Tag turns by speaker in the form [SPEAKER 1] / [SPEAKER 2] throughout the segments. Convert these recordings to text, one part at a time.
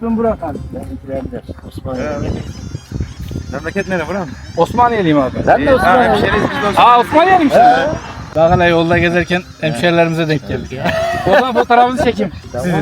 [SPEAKER 1] İsmim Burak abi.
[SPEAKER 2] Memleket nere buram?
[SPEAKER 1] Osmaniyeliyim abi.
[SPEAKER 3] Ben de Osmanlı.
[SPEAKER 1] Osmaniyeliyim işte. Daha hala yolda gezerken hemşehrilerimize denk geldik ya. O zaman fotoğrafınızı çekeyim.
[SPEAKER 3] Tamam.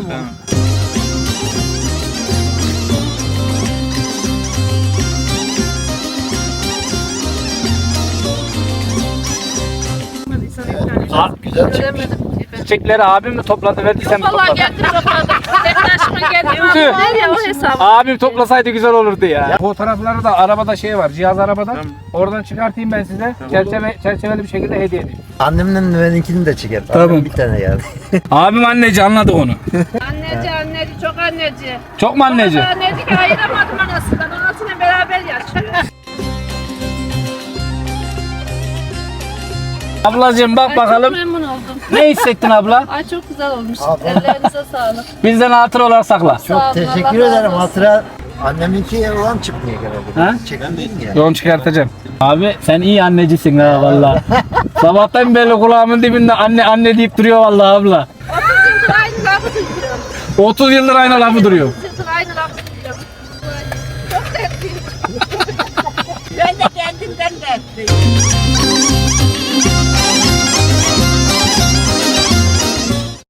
[SPEAKER 3] Güzel çıkmış.
[SPEAKER 1] Çiçekleri abim mi topladı verdi sen mi
[SPEAKER 4] Vallahi
[SPEAKER 1] topladın?
[SPEAKER 4] geldim topladım. Senin aşkına geldim.
[SPEAKER 1] Tüh.
[SPEAKER 4] Nereye o hesabı?
[SPEAKER 1] Abim toplasaydı güzel olurdu ya. Fotoğrafları da arabada şey var, cihaz arabada. Oradan çıkartayım ben size. Çerçeveli bir şekilde hediye edeyim.
[SPEAKER 3] Annemle benimkini de çeker.
[SPEAKER 1] Tamam.
[SPEAKER 3] Annem bir tane yani.
[SPEAKER 1] Abim anneci anladı onu.
[SPEAKER 4] Anneci çok anneci.
[SPEAKER 1] Çok mu anneci?
[SPEAKER 4] Anneci ki ayıramadım anasından. Anasıyla beraber yaşıyor.
[SPEAKER 1] Ablacığım bak
[SPEAKER 4] Ay,
[SPEAKER 1] bakalım.
[SPEAKER 4] Çok memnun oldum.
[SPEAKER 1] Ne hissettin abla?
[SPEAKER 4] Ay çok güzel olmuş. Ellerinize sağlık.
[SPEAKER 1] Bizden hatır olarak sakla.
[SPEAKER 4] Sağ olun,
[SPEAKER 3] Çok teşekkür
[SPEAKER 4] Allah razı
[SPEAKER 3] ederim.
[SPEAKER 4] olsun.
[SPEAKER 3] Hatıra anneminki olan çıkmıyor genelde.
[SPEAKER 1] Ha?
[SPEAKER 3] Çekmeyeyim ya.
[SPEAKER 1] Yoğun çıkartacağım. Abi sen iyi annecisin ha valla. Sabahtan beri kulağımın dibinde anne anne deyip duruyor valla abla.
[SPEAKER 4] 30 yıldır aynı lafı duyuyorum.
[SPEAKER 1] 30 yıldır aynı lafı duruyor.
[SPEAKER 4] 30 yıldır aynı lafı duyuyorum. Çok dertliyim. Ben de kendimden dertliyim.